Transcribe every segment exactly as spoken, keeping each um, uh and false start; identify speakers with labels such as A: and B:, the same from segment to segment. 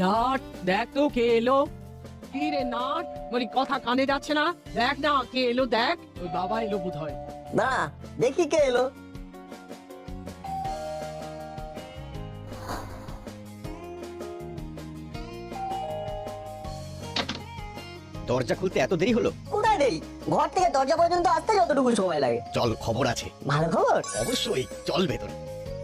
A: Nut দেখ তো কে এলো। কি রে নাট, বলি কথা কানে যাচ্ছে না? দেখ না কে এলো, দেখ। ওই বাবা এলো বোধ হয়।
B: না দেখি কে এলো।
C: দরজা খুলতে এত দেরি হলো?
B: কোথায় দেরি, ঘর থেকে দরজা পর্যন্ত আসতে যতটুকু সময় লাগে।
C: চল, খবর আছে।
B: ভালো খবর?
C: অবশ্যই, চল ভেতরে।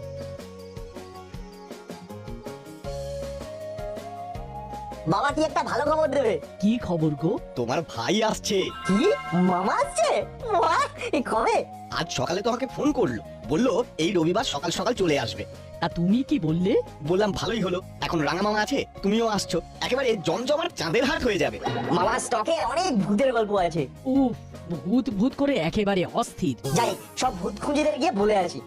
B: বাবা কি একটা ভালো খবর দেবে।
A: কি খবর গো?
C: তোমার ভাই আসছে।
B: কি, মামা আসছে? বাহ, এই কবে?
C: আজ সকালে তোমাকে ফোন করলো, বললো এই রবিবার সকাল সকাল চলে আসবে।
A: তা তুমি কি বললে?
C: বললাম ভালোই হলো, এখন রাঙা মামা আছে, তুমিও আসছো, একেবারে জমজমার চাঁদের হাট হয়ে যাবে।
B: মামার স্টকে অনেক ভূতের গল্প আছে।
A: উফ, ভূত ভূত করে একেবারে অস্থির।
B: যাই সব ভূত খুঁজিদের গিয়ে বলে আসি।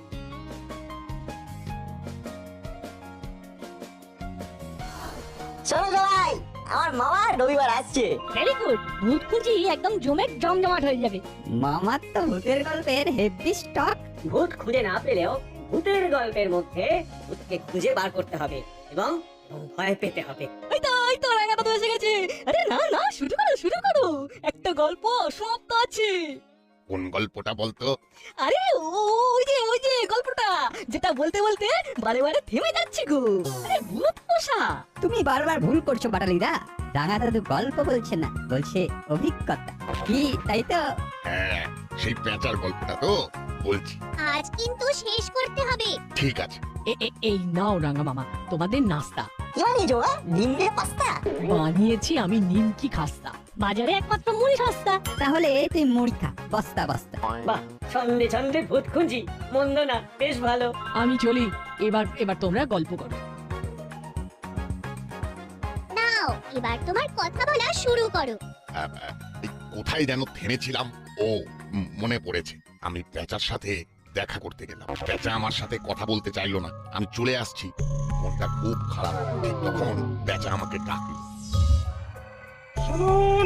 B: শোনো সবাই, আমার মামা রবিবার আসছে।
D: ভেরি গুড, ভূত খুঁজি একদম জমে জমজমাট হয়ে যাবে।
E: মামার তো ভূতের গল্পের হেভি স্টক।
F: ভূত খুঁজে না পেলেও ভূতের গল্পের মধ্যে ভূতকে খুঁজে বার করতে হবে এবং ভয় পেতে হবে।
D: ওই তো ওই তো রাঙাটা তো এসে গেছে। আরে না না, শুরু করো শুরু করো, একটা গল্প সমাপ্ত আছে।
G: কোন গল্পটা বলতো?
D: আরে ওই যে ওই যে গল্পটা যেটা বলতে বলতে বারে বারে থেমে যাচ্ছে গো। আরে ভূত পোষা।
E: তুমি বারবার ভুল করছো বাটালিদা। রাঙা দাদু গল্প বলছে না, বলছে অভিজ্ঞতা। কি তাই তো?
G: হ্যাঁ, সেই পেঁচার গল্পটা তো বলছি।
H: আজ কিন্তু শেষ করতে হবে।
G: ঠিক আছে।
A: এ- এ- এই নাও রাঙা মামা, তোমাদের নাস্তা।
B: কি বানিয়েছো মা? ডিম দিয়ে পাস্তা?
A: বানিয়েছি আমি নিমকি খাস্তা।
D: বাজারে একমাত্র মুড়ি সস্তা।
E: তাহলে তুই মুড়ি খা, বস্তা বস্তা।
F: বাহ, ছন্দে ছন্দে ভূত খুঁজি, মন্দ না, বেশ ভালো।
A: আমি চলি, এবার এবার তোমরা গল্প করো।
H: নাও এবার তোমার কথা বলা শুরু করো।
G: আহ, আহ, এই কোথায় যেন থেমেছিলাম? ও, উম, মনে পড়েছে। আমি পেঁচার সাথে দেখা করতে গেলাম। পেঁচা আমার সাথে কথা বলতে চাইলো না। আমি চলে আসছি, মনটা খুব খারাপ। ঠিক তখন পেঁচা আমাকে ডাকলো।
I: শুনুন,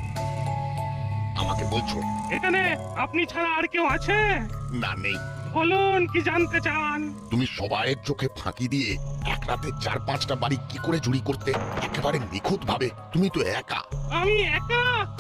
G: আমাকে বলছো?
I: এখানে আপনি ছাড়া আর কেউ আছে?
G: না, নেই।
I: বলুন কি জানতে চান?
G: তুমি সবাইয়ের চোখে ফাঁকি দিয়ে এক রাতে চার পাঁচটা বাড়ি কি করে চুরি করতে, একেবারে নিখুঁত ভাবে? তুমি তো একা।
I: আমি একা?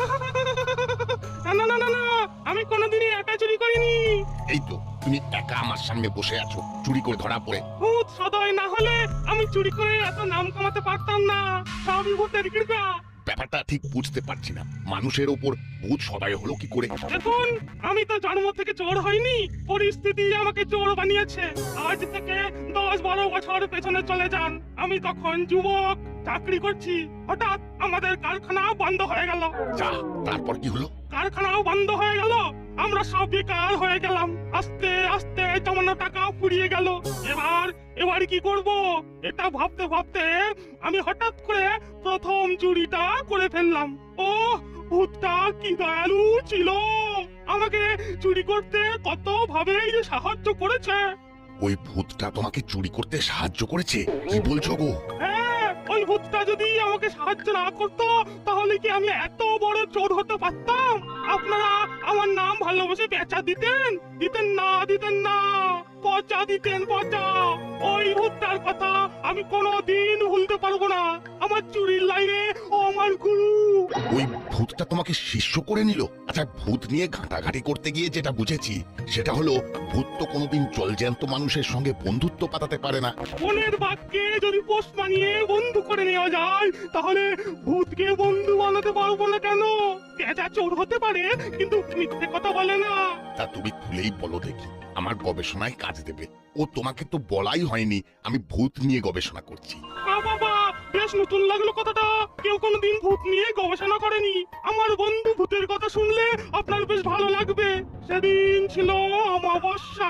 I: না না না না না, আমি কোনোদিনই একা চুরি করিনি।
G: এই তো তুমি একা আমার সামনে বসে আছো, চুরি করে ধরা পড়ে।
I: ভূত সদয় না হলে আমি চুরি করে এত নাম কামাতে পারতাম না। সবই ভূতের কৃপা।
G: ব্যাপারটা ঠিক বুঝতে পারছি না, মানুষের ওপর ভূত সদয় হলো কি করে?
I: দেখুন, আমি তো জন্ম থেকে চোর হইনি, পরিস্থিতি আমাকে চোর বানিয়েছে। আজ থেকে দশ বারো বছর পেছনে চলে যান। আমি তখন যুবক, চাকরি করছি। হঠাৎ আমাদের কারখানা বন্ধ হয়ে গেল।
G: যা, তারপর কি হলো?
I: কারখানাও বন্ধ হয়ে গেল, আমরা সব বেকার হয়ে গেলাম। আস্তে আস্তে জমানো টাকা ফুরিয়ে গেল। এবার এবার কি করব এটা ভাবতে ভাবতে আমি হঠাৎ করে প্রথম চুরিটা করে ফেললাম। ও, ভূতটা কি দয়ালু ছিল, আমাকে চুরি করতে কত ভাবেই যে সাহায্য করেছে।
G: ওই ভূতটা তোমাকে চুরি করতে সাহায্য করেছে? কি বলছো গো?
I: হ্যাঁ, ওই ভূতটা যদি আমাকে সাহায্য না করতো তাহলে কি আমি এত বড় চোর হতে পারতাম? আপনারা আমার নাম ভালোবেসে পেঁচা দিতেন? দিতেন না, দিতেন না, পচা দিতেন, পচা। ওই ভূতটার কথা আমি কোনোদিন ভুলতে পারবো না। আমার চুরির লাইনে ও আমার গুরু।
G: ওই ভূতটা তোমাকে শিষ্য করে নিল? আচ্ছা, ভূত নিয়ে ঘাঁটাঘাঁটি করতে গিয়ে যেটা বুঝেছি সেটা হলো, ভূত তো কোনোদিন জলজ্যান্ত মানুষের সঙ্গে বন্ধুত্ব পাতাতে পারে না।
I: মনের বাক্যে যদি পোষ মানিয়ে বন্ধু করে নেওয়া যায় তাহলে ভূতকে বন্ধু বানাতে পারবো না কেন? পেঁচা চোর হতে পারে কিন্তু মিথ্যে কথা বলে না।
G: তা তুমি খুলেই বলো দেখি, আমার গবেষণায় কাজ দেবে। ও তোমাকে তো বলাই হয়নি আমি ভূত নিয়ে গবেষণা করছি।
I: আ বাবা, বেশ নতুন লাগলো কথাটা। কেউ কোনোদিন ভূত নিয়ে গবেষণা করেনি। আমার বন্ধু ভূতের কথা শুনলে আপনার বেশ ভালো লাগবে। সেদিন ছিল অমাবস্যা,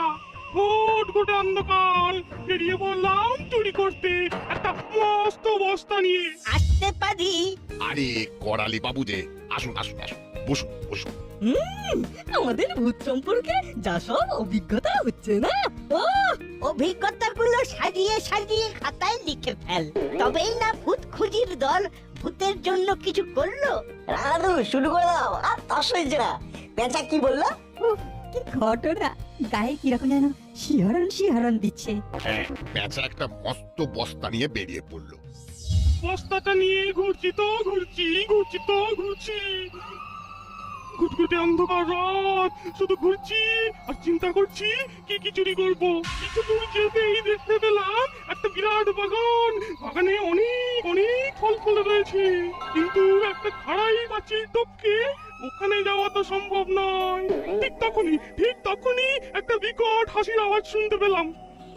I: ঘুট ঘুট অন্ধকার। বেরিয়ে বললাম চুরি করতে একটা মস্ত বস্তা নিয়ে।
F: আসতে পারি?
G: আরে করালি বাবু যে, আসুন আসুন আসুন, বসুন বসুন।
D: হুম, আমাদের ভূত সম্পর্কে যা সব অভিজ্ঞতা হচ্ছে না, ও
F: অভিজ্ঞতাগুলো সাজিয়ে সাজিয়ে খাতায় লিখে ফেল, তবেই না ভূত খুঁজির দল ভূতের জন্য কিছু করলো।
B: রাধু শুরু করে দাও, আর তস হয়েছে না। পেঁচা কি বললো?
E: উফ, কি ঘটনা, গায়ে কিরকম যেন শিহরণ শিহরণ দিচ্ছে।
G: হ্যাঁ, পেঁচা একটা মস্ত বস্তা নিয়ে বেরিয়ে পড়লো।
I: বস্তাটা নিয়ে ঘুরছি তো ঘুরছি ঘুরছি তো ঘুরছি ঘুটঘুটে অন্ধকার রাত, শুধু ঘুরছি আর চিন্তা করছি কি কি চুরি করবো। কিছু দূর যেতেই দেখতে পেলাম একটা বিরাট বাগান। বাগানে অনেক অনেক ফল ফুল রয়েছে, কিন্তু একটা খাড়াই পাচ্ছি টপকে ওখানে যাওয়া তো সম্ভব নয়। ঠিক তখনই ঠিক তখনই একটা বিকট হাসির আওয়াজ শুনতে পেলাম।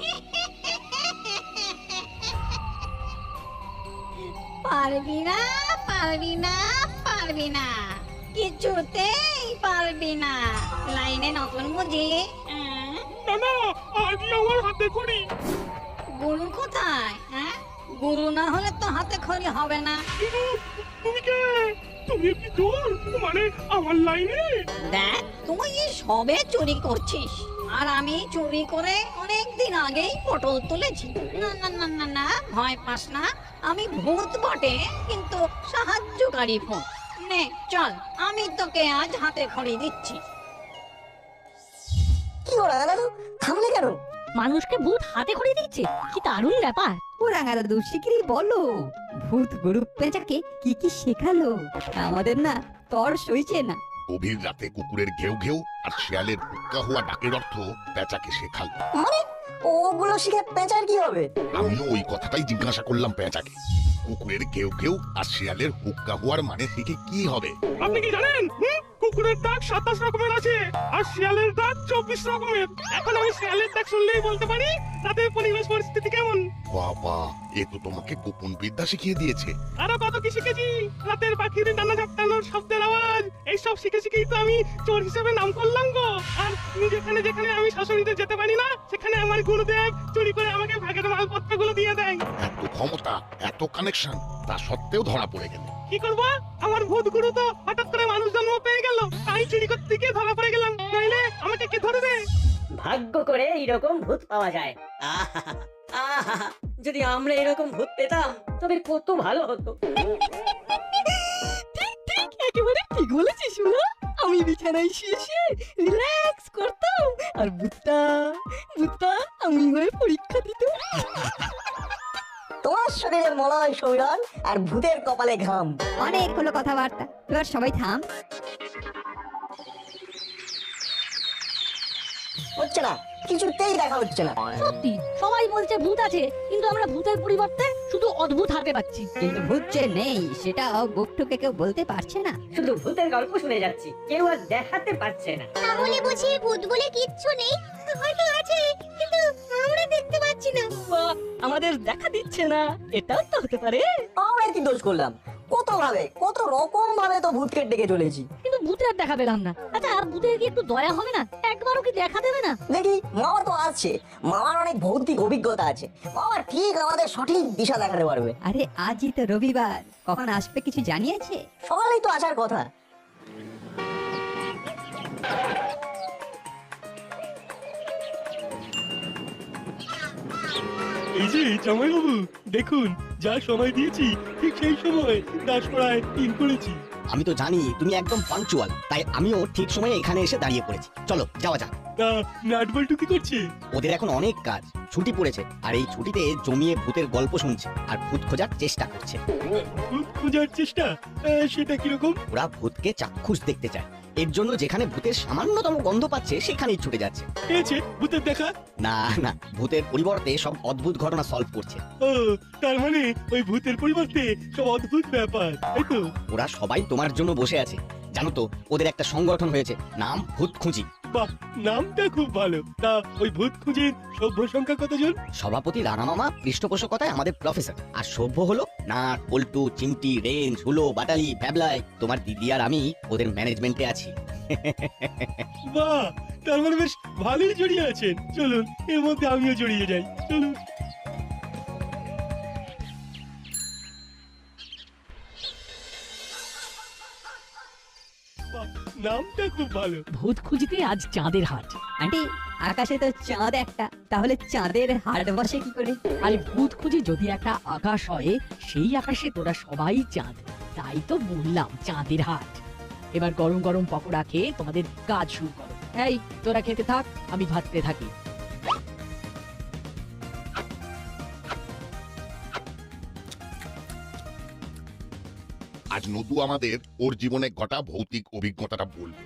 F: পারবি না পারবি না পারবি না, কিছুতেই পারবি না। লাইনে নতুন বুঝি? আহ,
I: না না, আজই আমার হাতে খড়ি।
F: গুরু কোথায়? হ্যাঁ, গুরু না হলে তো হাতে খড়ি হবে না।
I: কিন্তু তুমি কে? তুমি কি চোর? মানে আমার লাইনে?
F: দেখ, তুই সবে চুরি করছিস আর আমি চুরি করে অনেক দিন আগেই পটল তুলেছি। না না না না না, ভয় পাস না, আমি ভূত বটে কিন্তু সাহায্যকারী ভূত। নে চল, আমি তোকে আজ হাতে খড়ি দিচ্ছি।
B: কি ওরা দাদু থামলে কেন?
D: মানুষকে ভূত হাতে খড়ি দিচ্ছে, কি দারুণ ব্যাপার।
E: ও রাঙা দাদু শিগগিরই বলো, ভূত গরু পেঁচাকে কি কি শেখালো? আমাদের না তর সইছে না।
G: গভীর রাতে কুকুরের ঘেউ ঘেউ আর শিয়ালের হুক্কা হওয়া ডাকের অর্থ পেঁচাকে শেখাল।
B: মানে ওগুলো শিখে পেঁচার কি হবে?
G: আমিও ওই কথাটাই জিজ্ঞাসা করলাম পেঁচাকে, কুকুরের ঘেউ ঘেউ আর শিয়ালের হুক্কা হওয়ার মানে শিখে কি হবে?
I: আপনি কি জানেন? হুম? কুকুরের ডাক সাতাশ রকমের আছে আর শিয়ালের ডাক চব্বিশ রকমের। এখন আমি শিয়ালের ডাক শুনলেই বলতে পারি তাদের পরিবেশ পরিস্থিতি কেমন।
G: বাবা, এ তো তোমাকে গোপন বিদ্যা শিখিয়ে দিয়েছে।
I: আরো কত কি শিখেছি, রাতের পাখির ডানা ঝাপটানোর শব্দের আওয়াজ, এইসব শিখে শিখেই তো আমি চোর হিসেবে নাম করলাম গো। আর যেখানে যেখানে আমি শাশুড়িতে যেতে পারি না, সেখানে আমার গুরুদেব চুরি করে আমাকে ভাগের মালপত্রগুলো দিয়ে দেয়।
G: এত ক্ষমতা, এত কানেকশন, তা সত্ত্বেও ধরা পড়ে গেল।
I: কি করবো, আমার ভূত গুরু তো হঠাৎ করে মানুষ জন্ম পেয়ে গেল, তাই চুরি করতে গিয়ে ধরা পড়ে গেলাম। নইলে আমাকে কে ধরবে?
J: ভাগ্য করে এইরকম ভূত পাওয়া যায়। আহা আহা, যদি আমরা এরকম ভূত পেতাম তবে কত ভালো হতো।
D: ঠিক ঠিক, একেবারে ঠিক বলেছিস শুনো। আমি বিছানায় শুয়ে শুয়ে রিল্যাক্স করতাম আর ভূতটা ভূতটা আমি হয়ে পরীক্ষা দিত।
B: তোমার শরীরে মলয় শৈরন আর ভূতের কপালে ঘাম।
E: অনেক হলো কথাবার্তা, এবার সবাই থাম।
B: হচ্ছে না, কিছুতেই দেখা হচ্ছে না।
D: সত্যি সবাই বলছে ভূত আছে, কিন্তু আমরা ভূতের পরিবর্তে শুধু অদ্ভুত হাতে পাচ্ছি।
E: কিন্তু ভূত যে নেই সেটা বুকটুকে কেউ বলতে পারছে না।
J: শুধু ভূতের গল্প শুনে যাচ্ছি, কেউ আর দেখাতে পারছে না।
H: তাহলে বুঝি ভূত বলে কিচ্ছু নেই? হয়তো আছে, কিন্তু আমরা দেখতে পাচ্ছি না।
D: বা আমাদের দেখা দিচ্ছে না, এটাও তো হতে পারে।
B: আমরা কি দোষ করলাম? কত ভাবে কত রকম ভাবে তো ভূতকে ডেকে চলেছি,
D: কিন্তু ভূতের দেখা পেলাম না। আচ্ছা, ভূতের কি একটু দয়া হবে না? একবারও কি দেখা দেবে না?
B: দেখি মামা তো আছে, মামার অনেক ভৌতিক অভিজ্ঞতা আছে, মামা ঠিক আমাদের সঠিক দিশা দেখাতে পারবে।
E: আরে আজই তো রবিবার, কখন আসবে কিছু জানিয়েছে?
B: সকালেই তো আসার কথা।
I: এই যে জামাইবাবু, দেখুন যা সময় দিয়েছি ঠিক সেই সময় দাসপাড়ায় ইন করেছি।
C: আমি তো জানি তুমি একদম পাঞ্চুয়াল, তাই আমিও ঠিক সময়ে এখানে এসে দাঁড়িয়ে পড়েছি। চলো যাওয়া যাক।
I: তা নাটবল্টু কি করছে?
C: ওদের এখন অনেক কাজ, ছুটি পড়েছে, আর এই ছুটিতে জমিয়ে ভূতের গল্প শুনছে আর ভূত খোঁজার চেষ্টা করছে।
I: ভূত খোঁজার চেষ্টা? আহ, সেটা কিরকম?
C: ওরা ভূতকে চাক্ষুষ দেখতে চায়, এর জন্য যেখানে ভূতের সামান্যতম গন্ধ পাচ্ছে সেখানেই ছুটে যাচ্ছে।
I: পেয়েছে ভূতের দেখা?
C: না না, ভূতের পরিবর্তে সব অদ্ভুত ঘটনা সলভ করছে।
I: ও, তার মানে ওই ভূতের পরিবর্তে সব অদ্ভুত ব্যাপার, তাই তো?
C: ওরা সবাই তোমার জন্য বসে আছে। জানো তো, ওদের একটা সংগঠন হয়েছে, নাম ভূত খুঁজি।
I: বাহ, নামটা খুব ভালো। তা ওই ভূত খুঁজির সভ্য সংখ্যা কতজন?
C: সভাপতি রানা মামা পৃষ্ঠপোষকতায় আমাদের প্রফেসর, আর সভ্য হলো নাট, পল্টু, চিমটি, রেঞ্জ, হুলো, বাটালি, ভ্যাবলাই। তোমার দিদি আর আমি ওদের ম্যানেজমেন্টে আছি।
I: বাহ, তার মানে বেশ ভালোই জড়িয়ে আছেন। চলুন এর মধ্যে আমিও জড়িয়ে যাই, চলুন। বাহ, নামটা খুব ভালো।
A: ভূত খুঁজিতে আজ চাঁদের হাট।
E: আন্টি, আকাশে তো চাঁদ একটা, তাহলে চাঁদের হাট বসে কি করে?
A: আরে ভূত খুঁজি যদি একটা আকাশ হয়, সেই আকাশে তোরা সবাই চাঁদ, তাই তো বললাম চাঁদের হাট। এবার গরম গরম পকোড়া খেয়ে তোমাদের কাজ শুরু করো। এই তোরা খেতে থাক, আমি ভাততে থাকি।
G: আজ নদু আমাদের ওর জীবনে ঘটা ভৌতিক অভিজ্ঞতাটা বলবে।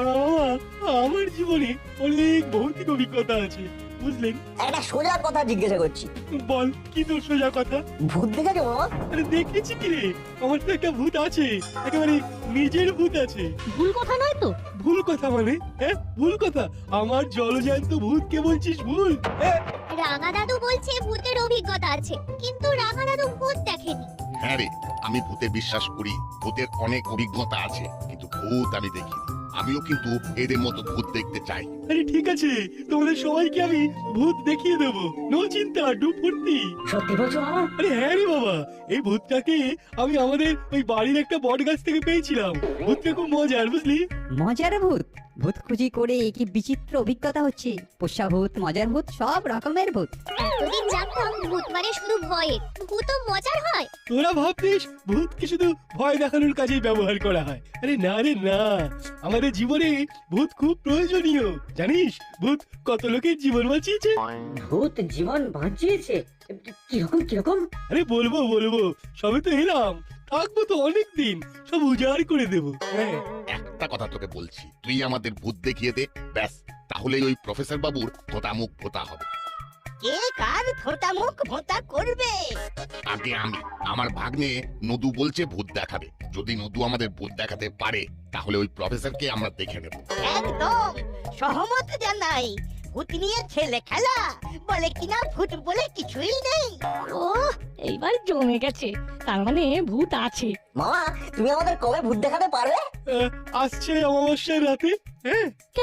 I: আমার জীবনে অনেক ভৌতিক অভিজ্ঞতা আছে বুঝলেন।
B: একটা সোজা কথা জিজ্ঞাসা করছি,
I: বল কি তোর সোজা কথা?
B: ভূত দেখেছো মামা?
I: আরে দেখেছি কি রে, আমার তো একটা ভূত আছে, একেবারে নিজের ভূত আছে।
D: ভুল কথা নয় তো?
I: ভুল কথা মানে? হ্যাঁ ভুল কথা? আমার জলজ্যান্ত ভূত কে বলছিস ভুল? হ্যাঁ
H: রাঙা দাদু বলছে ভূতের অভিজ্ঞতা আছে, কিন্তু রাঙা দাদু ভূত দেখেনি।
G: হ্যাঁ রে, আমি ভূতে বিশ্বাস করি, ভূতের অনেক অভিজ্ঞতা আছে, কিন্তু ভূত আমি দেখিনি। আমিও কিন্তু এদের মতো ভূত দেখতে চাই।
I: আরে ঠিক আছে, তোমাদের সবাইকে আমি ভূত দেখিয়ে দেবো, নো চিন্তা, ডুব ফুর্তি।
J: সত্যি বলছো মামা?
I: আরে হ্যাঁ রে বাবা, এই ভূতটাকে আমি আমাদের ওই বাড়ির একটা বট গাছ থেকে পেয়েছিলাম। ভূতটা খুব মজার বুঝলি।
E: মজার ভূত? ভূত খুঁজি করে কি বিচিত্র অভিজ্ঞতা হচ্ছে। পোষা ভূত, মজার ভূত, সব রকমের ভূত।
H: এতদিন জানতাম ভূত মানে শুধু ভয়ে, ভূতও মজার হয়।
I: তোরা ভাবতিস ভূতকে শুধু ভয় দেখানোর কাজেই ব্যবহার করা হয়। আরে না রে না, আমাদের জীবনে ভূত খুব প্রয়োজনীয়। জানিস ভূত কত লোকের জীবন বাঁচিয়েছে?
J: ভূত জীবন বাঁচিয়েছে? কিরকম কিরকম?
I: আরে বলবো বলবো, সবে তো এলাম, থাকবো তো অনেক দিন, সব উজাড় করে দেবো। হ্যাঁ
G: একটা কথা তোকে বলছি, তুই আমাদের ভূত দেখিয়ে দে, ব্যাস, তাহলেই ওই প্রফেসর বাবুর ভোতামুখ ভোতা হবে।
F: কে কার ভোতা মুখ ভোতা করবে?
G: আগে আমি। আমার ভাগ্নে নদু বলছে ভূত দেখাবে। যদি নদু আমাদের ভূত দেখাতে পারে, তাহলে ওই প্রফেসরকে আমরা দেখে নেব।
F: একদম সহমত জানাই। ভূত নিয়ে ছেলে খেলা, বলে কিনা ভূত বলে কিছুই নেই।
D: ও এইবার জমে গেছে, তার মানে ভূত আছে।
B: মামা তুমি আমাদের কবে ভূত দেখাতে পারবে?
I: আহ, আসছে অমাবস্যার রাতে। হ্যাঁ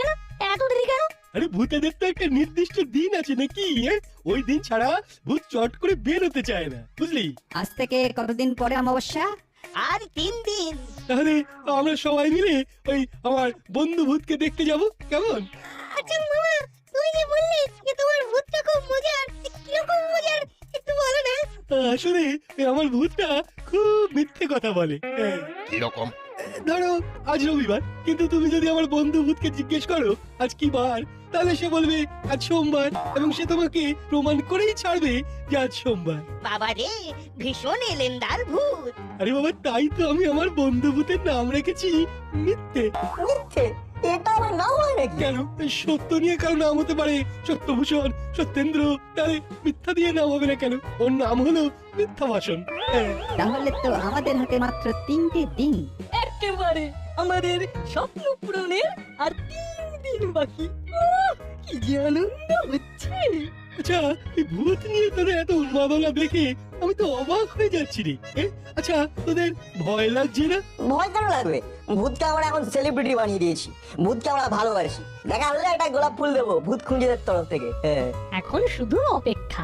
D: এত দেরি কেন?
I: আরে ভূতেদের তো একটা নির্দিষ্ট দিন আছে নাকি? হ্যাঁ? ওই দিন ছাড়া ভূত চট করে বের হতে চায় না বুঝলি।
E: আজ থেকে কতদিন পরে অমাবস্যা?
F: আর তিন দিন।
I: তাহলে আমরা সবাই মিলে ওই আমার বন্ধু ভূতকে দেখতে যাব, কেমন?
H: আচ্ছা মামা, তুই যে বললি যে তোমার ভূতটা খুব মজার, কিরকম মজার একটু বলো না।
I: আসলে ওই আমার ভূতটা খুব মিথ্যে কথা বলে। হ্যাঁ।
G: কিরকম?
I: ধরো আজ রবিবার, কিন্তু তুমি যদি আমার বন্ধু ভূতকে জিজ্ঞেস করো আজ কি বার, তাহলে সে বলবে আজ সোমবার, এবং সে তোমাকে প্রমাণ করেই ছাড়বে যে আজ সোমবার।
F: বাবা রে, ভীষণ এলেন্দার ভূত।
I: আরে বাবা, তাই তো আমি আমার বন্ধু ভূতের নাম রেখেছি মিথ্যে।
B: মিথ্যে? এটা আমার নাম হয় নাকি?
I: কেন? সত্য নিয়ে কারো নাম হতে পারে, সত্যভূষণ, সত্যেন্দ্র, তাহলে মিথ্যা দিয়ে নাম হবে না কেন? ওর নাম হলো মিথ্যা ভাষণ। হ্যাঁ।
E: তাহলে তো আমাদের হাতে মাত্র তিনটে দিন।
D: একেবারে আমাদের স্বপ্ন পূরণের আর তিন দিন বাকি। উহ, কি যে আনন্দ হচ্ছে।
I: আচ্ছা, এই ভূত নিয়ে তোদের এত উন্মাদনা দেখে আমি তো অবাক হয়ে যাচ্ছি রে। এ, আচ্ছা তোদের ভয় লাগছে না?
B: ভয় কেন লাগবে? ভূতকে আমরা এখন সেলিব্রিটি বানিয়ে দিয়েছি, ভূতকে আমরা ভালোবাসি। দেখা হলে একটা গোলাপ ফুল দেবো ভূত খুঁজেদের তরফ থেকে। হ্যাঁ
D: এখন শুধু অপেক্ষা।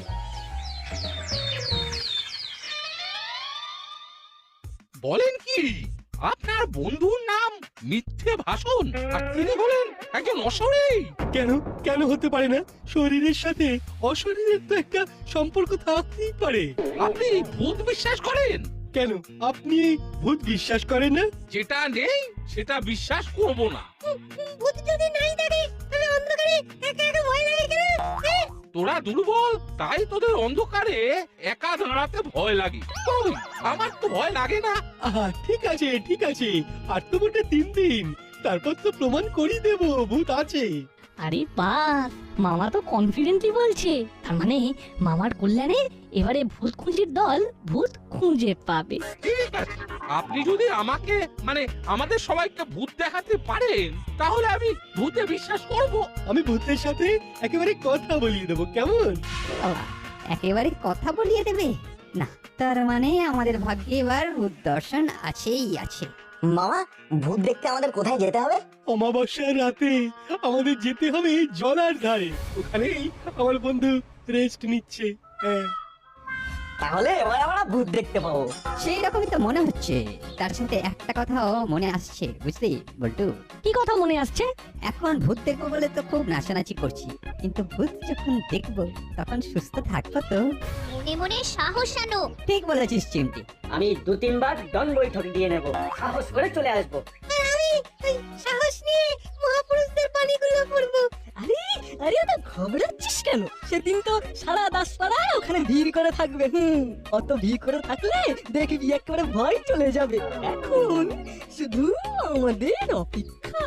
K: বলেন কি, আপনার বন্ধুর নাম মিথ্যে ভাষণ, আর তিনি হলেন একজন অশরীরী?
I: কেন কেন হতে পারে না? শরীরের সাথে অশরীরের তো একটা সম্পর্ক থাকতেই পারে।
K: আপনি ভূত বিশ্বাস করেন?
I: কেন আপনি এই ভূত বিশ্বাস করেন না?
K: যেটা নেই সেটা বিশ্বাস করব না।
H: ভূত যদি নাই থাকে তাহলে অন্ধকারে একা একা ভয় লাগে কেন?
K: তোরা দুর্বল, তাই তোদের অন্ধকারে একা দাঁড়াতে ভয় লাগে। কই, আমার তো ভয় লাগে না।
I: আহা, ঠিক আছে ঠিক আছে, আর তো মোটে তিন দিন, তারপর তো প্রমাণ করিয়ে দেব ভূত আছে।
D: আরে বাস, মামা তো কনফিডেন্টলি বলছে, তার মানে মামার কল্যাণে এবারে ভূত খুঁজির দল ভূত খুঁজে পাবে।
K: ঠিক আছে, আপনি যদি আমাকে মানে আমাদের সবাইকে ভূত দেখাতে পারেন, তাহলে আমি ভূতে বিশ্বাস করব।
I: আমি ভূতের সাথে একেবারে কথা বলিয়ে দেবো, কেমন?
E: বাবা, একেবারে কথা বলিয়ে দেবে না? তার মানে আমাদের ভাগ্যে এবার ভূত দর্শন আছেই আছে।
B: মামা, ভূত দেখতে আমাদের কোথায় যেতে হবে?
I: অমাবস্যার রাতে আমাদের যেতে হবে জলার ধারে, ওখানেই আমার বন্ধু রেস্ট নিচ্ছে। হ্যাঁ।
B: তাহলে এবার আমরা ভূত দেখতে পাবো।
E: সেই রকমই তো মনে হচ্ছে। তার সাথে একটা কথাও মনে আসছে, বুঝলি বল্টু?
D: কি কথা মনে আসছে?
E: এখন ভূত দেখবো বলে তো খুব নাচানাচি করছি, কিন্তু ভূত যখন দেখবো তখন সুস্থ থাকবো তো।
H: মনে মনে সাহস আনো।
E: ঠিক বলেছিস চিমটি।
J: আমি দু তিনবার দন বৈঠক দিয়ে নেব, সাহস করে চলে আসবো।
H: আর আমি ওই সাহস নিয়ে মহাপুরুষদের বাণীগুলো পড়বো।
D: আরে আরে ওটা ঘবড়াচ্ছিস কেন? সেদিন তো সারা দাসপাড়া ওখানে ভিড় করে থাকবে। হুম, অত ভিড় করে থাকলে দেখবি একেবারে ভয় চলে যাবে। এখন শুধু আমাদের অপেক্ষা।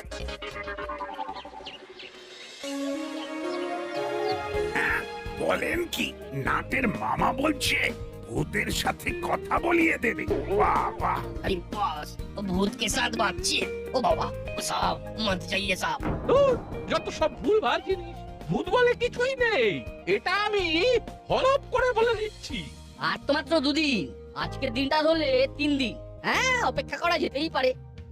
L: বলেন কি, নাটের মামা বলছে ভূতের সাথে কথা বলিয়ে দেবে। বাহ বাহ।
J: अरे बॉस, वो भूत के साथ बातचीत। ओ बाबा, वो साहब मत जाइए साहब।
K: ধুর, যত সব ভুলভাল জিনিস, ভূত বলে কিছুই নেই। এটা আমি হলপ করে বলে দিচ্ছি।
A: আর তো মাত্র দুদিন, আজকের দিনটা ধরলে তিন দিন। হ্যাঁ, অপেক্ষা করা যেতেই পারে।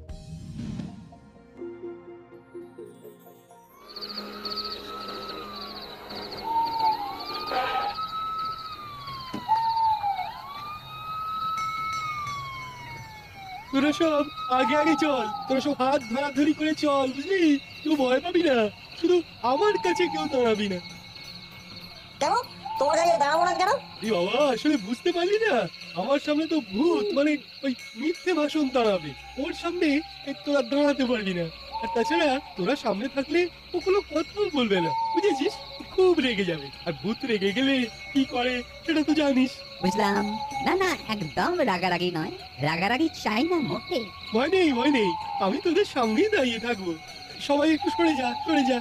I: তোরা সব আগে আগে চল, তোরা সব হাত ধরাধরি করে চল, বুঝলি? কেউ ভয় পাবি না, শুধু আমার কাছে কেউ দাঁড়াবি না।
B: কেন তোমার কাছে দাঁড়াবো না কেন?
I: এই বাবা, আসলে বুঝতে পারলি না, আমার সামনে তো ভূত মানে ওই মিথ্যে ভাষণ দাঁড়াবে, ওর সামনে এই তোরা দাঁড়াতে পারবি না। আর তাছাড়া তোরা সামনে থাকলে ও কোনো কথাও বলবে না, বুঝেছিস? খুব রেগে যাবে, আর ভূত রেগে গেলে কি করে সেটা তো জানিস।
E: বুঝলাম। না না, একদম রাগারাগি নয়, রাগারাগি চাই না মোটে।
I: ভয় নেই ভয় নেই, আমি তোদের সামনেই দাঁড়িয়ে থাকবো। সবাই একটু সরে যা, সরে যা।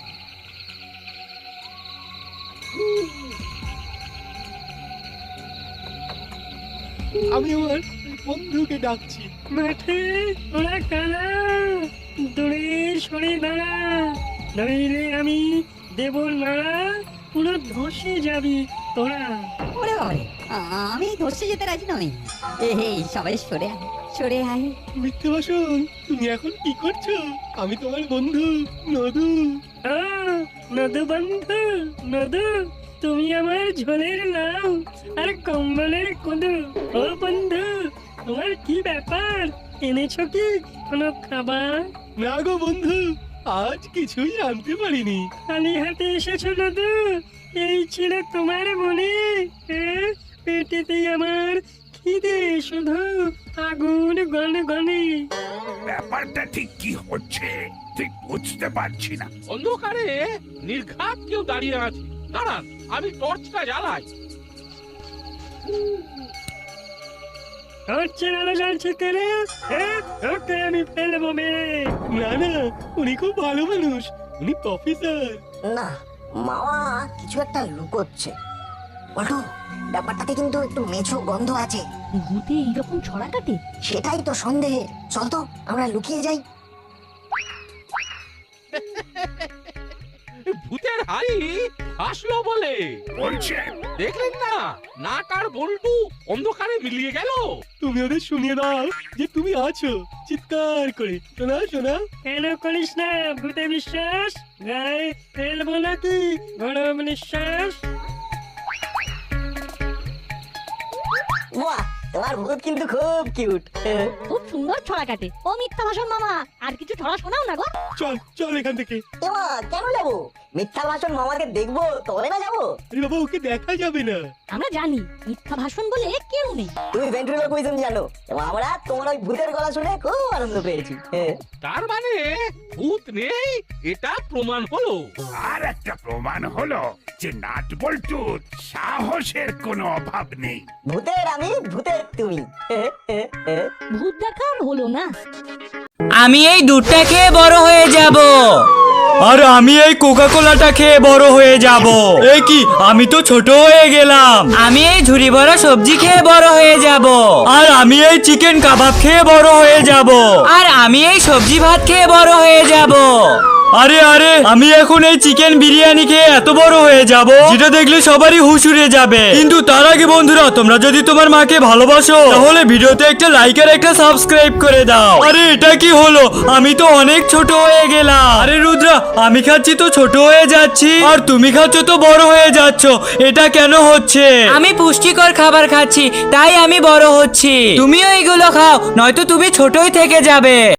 I: আমি আমার বন্ধুকে ডাকছি।
D: মাঠে ওরা কানা, দূরে সরে দাঁড়া, নইলে আমি দেব না, পুরো ধসে যাবি তোরা।
E: ওরে বাবারে, আমি ধরতে যেতে রাজি নই। এই সবাই সরে আয়, সরে আয়।
I: মিথ্যে ভাষণ, তুমি এখন কি করছো? আমি তোমার বন্ধু নদু।
D: আহ, নদু বন্ধু, নদু তুমি আমার ঝোলের লাউ আর কম্বলের কুদু। ও বন্ধু, তোমার কি ব্যাপার? এনেছো কি কোনো খাবার?
I: না গো বন্ধু, আজ কিছুই আনতে পারিনি।
D: খালি হাতে এসেছো নদু? এই ছিল তোমার মনে? হ্যাঁ, পেটেতে আমার খিদে শুধু আগুন গনে গনে।
L: ব্যাপারটা ঠিক কি হচ্ছে ঠিক বুঝতে পারছি না।
K: অন্ধকারে নির্ঘাত কেউ দাঁড়িয়ে আছে। দাঁড়ান, আমি টর্চটা জ্বালাই।
D: টর্চের আলো জ্বলছে তেরে, হ্যাঁ, ওকে আমি ফেলবো মেরে।
I: না না, উনি খুব ভালো মানুষ, উনি প্রফেসর।
B: না, মামা কিছু একটা লুকোচ্ছে। বলটু, ব্যাপারটাতে কিন্তু একটু মেছো গন্ধ আছে।
A: ভূতে এইরকম ছড়া কাটে?
B: সেটাই তো সন্দেহের। চল তো আমরা লুকিয়ে যাই।
K: ভূতের হাড়ি আসলো বলে
L: বলছেন?
K: দেখলেন না, নাট আর বল্টু অন্ধকারে মিলিয়ে গেল।
I: তুমি ওদের শুনিয়ে দাও যে তুমি আছো, চিৎকার করে। শোনা শোনা।
D: কেন করিস না ভূতে বিশ্বাস? গায়ে ফেলবো নাকি গরম নিঃশ্বাস?
B: বাহ, তোমার ভূত কিন্তু খুব কিউট।
A: খুব সুন্দর ছড়া কাটে। ও মিথ্যা ভাষণ মামা, আর কিছু ছড়া শোনাও না গো।
I: চল চল এখান থেকে।
B: এমা, কেন যাবো? মিথ্যা ভাষণ মামাকে দেখবো তবে না যাবো?
I: আরে বাবা, ওকে দেখা যাবে না।
A: আমরা জানি মিথ্যা ভাষণ বলে কেউ নেই।
B: তুমি ভেন্ট্রিলোকুইজম জানো, এবং আমরা তোমার ওই ভূতের গলা শুনে খুব আনন্দ পেয়েছি। হ্যাঁ।
K: তার মানে ভূত নেই, এটা প্রমাণ হলো।
L: আর একটা প্রমাণ হলো যে নাট বল্টুর সাহসের কোনো অভাব নেই।
B: ভূতের আমি, ভূতের তুমি।
A: ভূত দেখা আর হলো না।
M: আমি এই দুধটা খেয়ে বড় হয়ে যাব।
N: আর আমি এই কোকা কোলাটা খেয়ে বড় হয়ে যাব। এ কি, আমি তো ছোট হয়ে গেলাম।
M: আমি এই ঝুড়ি ভরা সবজি খেয়ে বড় হয়ে যাব।
N: আর আমি এই চিকেন কাবাব খেয়ে বড় হয়ে যাব।
M: আর আমি এই সবজি ভাত খেয়ে বড় হয়ে যাব।
N: আরে আরে, আমি এখন এই চিকেন বিরিয়ানি খেয়ে এত বড় হয়ে যাব যেটা দেখলে সবারই হুশ উড়ে যাবে। কিন্তু তার আগে বন্ধুরা, তোমরা যদি তোমার মাকে ভালোবাসো তাহলে ভিডিওতে একটা লাইক আর একটা সাবস্ক্রাইব করে দাও। আরে এটা কি হলো, আমি তো অনেক ছোট হয়ে গেলাম। আরে রুদ্রা, আমি খাচ্ছি তো ছোট হয়ে যাচ্ছি, আর তুমি খাচ্ছ তো বড় হয়ে যাচ্ছ। এটা কেন হচ্ছে?
M: আমি পুষ্টিকর খাবার খাচ্ছি, তাই আমি বড় হচ্ছি। তুমিও এগুলো খাও, নয়তো তুমি ছোটই থেকে যাবে।